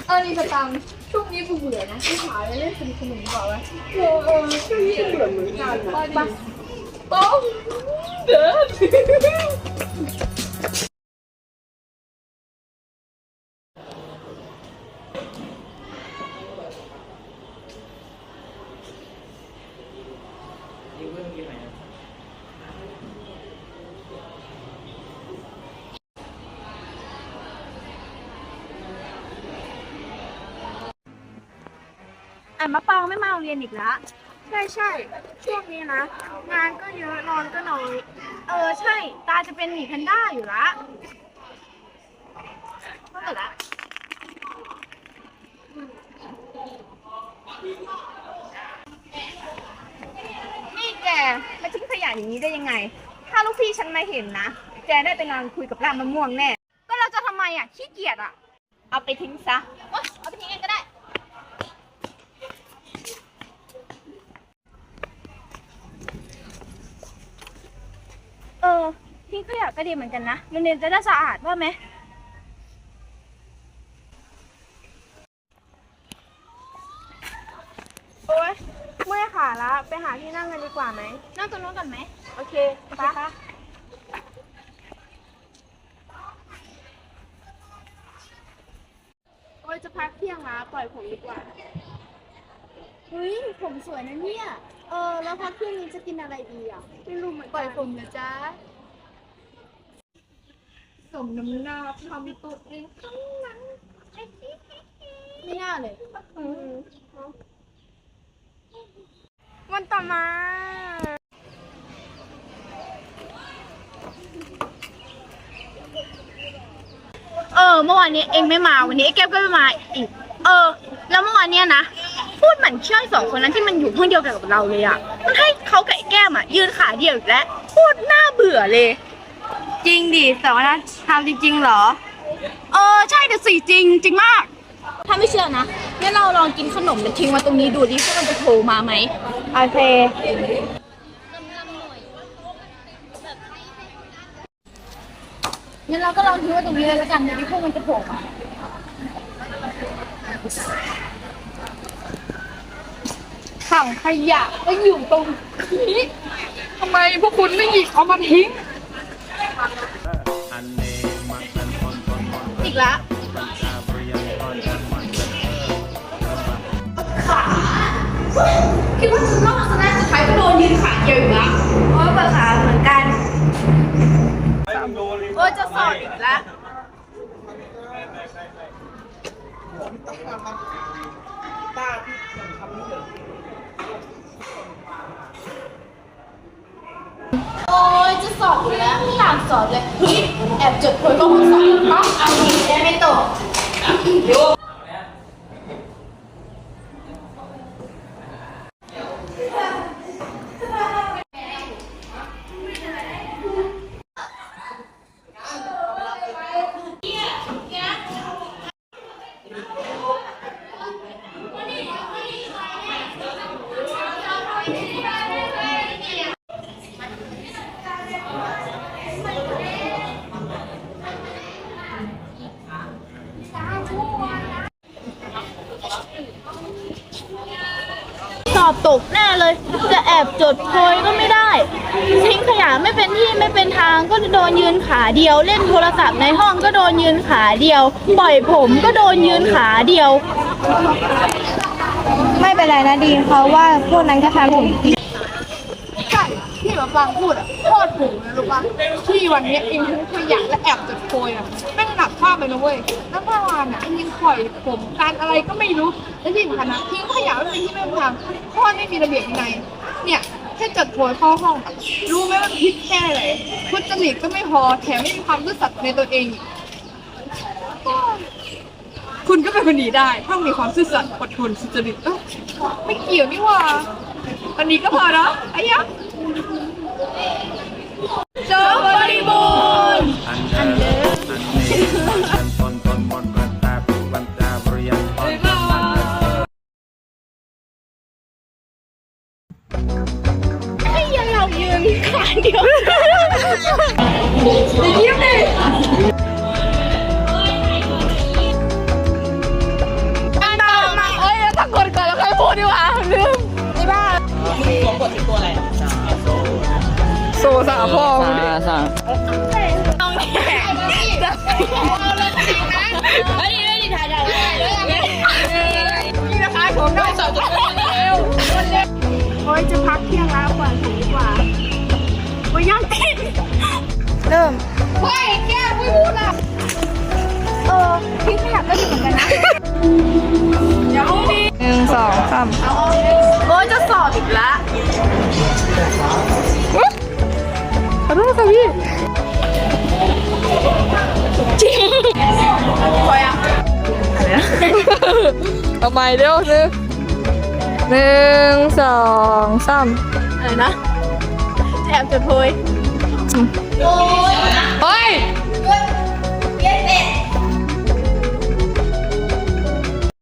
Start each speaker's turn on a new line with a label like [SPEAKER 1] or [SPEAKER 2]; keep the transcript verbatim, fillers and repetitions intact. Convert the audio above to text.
[SPEAKER 1] เออนี่สตังค์ช่วงนี้เบื่อนะไปหาอะไรเล่นสนุกสนุกดีกว่าวะเออเออช่วงนี้เบื่อเหมือนกันนะไปต้องเด้อ
[SPEAKER 2] อ่ะมะปางไม่มาโรงเรียนอีกแล้ว
[SPEAKER 1] ใช่ใช่ช่วงนี้นะงานก็เยอะนอนก็น้อย
[SPEAKER 2] เออใช่ตาจะเป็นหมีแพนด้าอยู่ละเมื่อไหร่ละนี่แกมาทิ้งขยะอย่างนี้ได้ยังไงถ้าลูกพี่ฉันมาเห็นนะแกได้ไปนอนคุยกับรามมะม่วงแน่ก็เราจะทำไมอ่ะขี้เกียจอ่ะเอาไปทิ้งซะเอาไปทิ้งเองก็ได้เออทิ้งขยะก็ดีเหมือนกันนะโรงเรียนจะได้สะอาดว่าไหม
[SPEAKER 1] โอ๊ยเมื่อยขาละไปหาที่นั่งกันดีกว่าไหม
[SPEAKER 2] นั่งตรงนู้นก่อนไหม
[SPEAKER 1] โอเค
[SPEAKER 2] ไปปะ
[SPEAKER 1] โอ๊ยจะพักเที่ยงละปล่อยผมดีกว่า
[SPEAKER 2] เฮ้ยผมสวยนะเนี่ย
[SPEAKER 1] เออแล้วพักเที่ยงนี้จะกินอะไรดีอ่ะไม่รู้เหมือนกันปล่อยผมนะจ๊ะสมน้ำหน้าทำตัวเองทั้งนั้น
[SPEAKER 2] ไม่น่าเลย
[SPEAKER 1] วันต่อมา
[SPEAKER 2] เออเมื่อวานนี้เองไม่มาวันนี้ไอ้แก้วก็ไม่มาอีกเออแล้วเมื่อวานเนี้ยนะพูดเหมือนเชื่อสองคนนั้นที่มันอยู่ห้องเดียวกันกับเราเลยอ่ะมันให้เขากับไอ้แก้มอ่ะยืนขาเดียวอีกแล้วพูดน่าเบื่อเลย
[SPEAKER 1] จริงดิแต่ว่านะทำจริงๆเหรอ
[SPEAKER 2] เออใช่แต่สิจริงจริงมากถ้าไม่เชื่อนะงั้นเราลองกินขนมแล้วทิ้งไว้ตรงนี้ดูดิว่ามันจะโผล่มาไหม
[SPEAKER 1] โอเค
[SPEAKER 2] งั้นเราก็ลองทิ้งไว้ตรงนี้เลยแล้วกันดูดิพวกมันจะโผล่มา
[SPEAKER 1] ถังขยะก็อยู่ตรงนี้ทำไมพวกคุณไม่หยิบเอามาทิ้ง
[SPEAKER 2] อีกแล้วขาคิดว่าจะรอดซะแน่สุดท้ายก็โดนยืนขาเดียวอยู่ละ
[SPEAKER 1] เพราะว่าขาเหมือนกัน
[SPEAKER 2] โอ้จะสอบอีกแล้วโอ้ยจะสอบอยู่แล้วไม่อยากสอบเลยเฮ้ยแอบจดโพยก็คงสอบต้องเอาดีได้ไม่ตกสอบตกแน่เลยจะแอบจดโพยก็ไม่ได้ทิ้งขยะไม่เป็นที่ไม่เป็นทางก็โดนยืนขาเดียวเล่นโทรศัพท์ในห้องก็โดนยืนขาเดียวปล่อยผมก็โดนยืนขาเดียว
[SPEAKER 1] ไม่เป็นไรนะดีเพราะว่าพวกนั้นก็ทำผมใช่ที่มาฟังพูดอ่ะโคตรถูกเลยรู้ปะที่วันนี้เองทิ้งขยะและแอบจดโพยอ่ะแม่งหนักมากเลยนะเว้ยแล้วเมื่อวานอ่ะเองยังปล่อยผมการอะไรก็ไม่รู้และที่สำคัญนะทิ้งขยะไม่เป็นที่ไม่เป็นทางข้อไม่มีระเบียบวินัยเนี่ยแค่จดโพยเข้าห้องอ่ะรู้ไหมว่าพิษแค่ไหนพุทธจริตก็ไม่พอแถมไม่มีความซื่อสัตย์ในตัวเองอีกคุณก็เป็นคนดีได้ถ้ามีความซื่อสัตย์อดทนสุจริตเอ้าไม่เกี่ยวนี่ว่าวันนี้ก็พอแล้วไอ้ยักษ์จบบริบูรณ์อันเดิม
[SPEAKER 2] ให้ยันเรายืนขาเดียว
[SPEAKER 1] ยิ้มดิซสาพ่อ
[SPEAKER 3] สาสา
[SPEAKER 2] ต้องแข่งเฮ้ยเฮ้ยถ่ายถ่ายถ่ายเลย
[SPEAKER 1] นี่นะคะผมได้สองจุดเร็วโอ้ยจะพักเที่ยงแล้วกว่าถึงดีกว่าโอ้ยยังติดเริ่มเฮ้ยแก้วไม่พูดอ่ะเออทิ้งขยะก็ดีเหมือนกันนะเดี๋ยวมีหนึ่งสองสาม
[SPEAKER 2] โอ้ยจะสอบอีกละ
[SPEAKER 1] ขอโทษค่ะพี่จริงพอยังอะไรนะเอาใหม่เร็วหนึ่งหนึ่งสองสาม
[SPEAKER 2] อะไรนะแอบจดโพยโอ้ย
[SPEAKER 1] เฮ้ย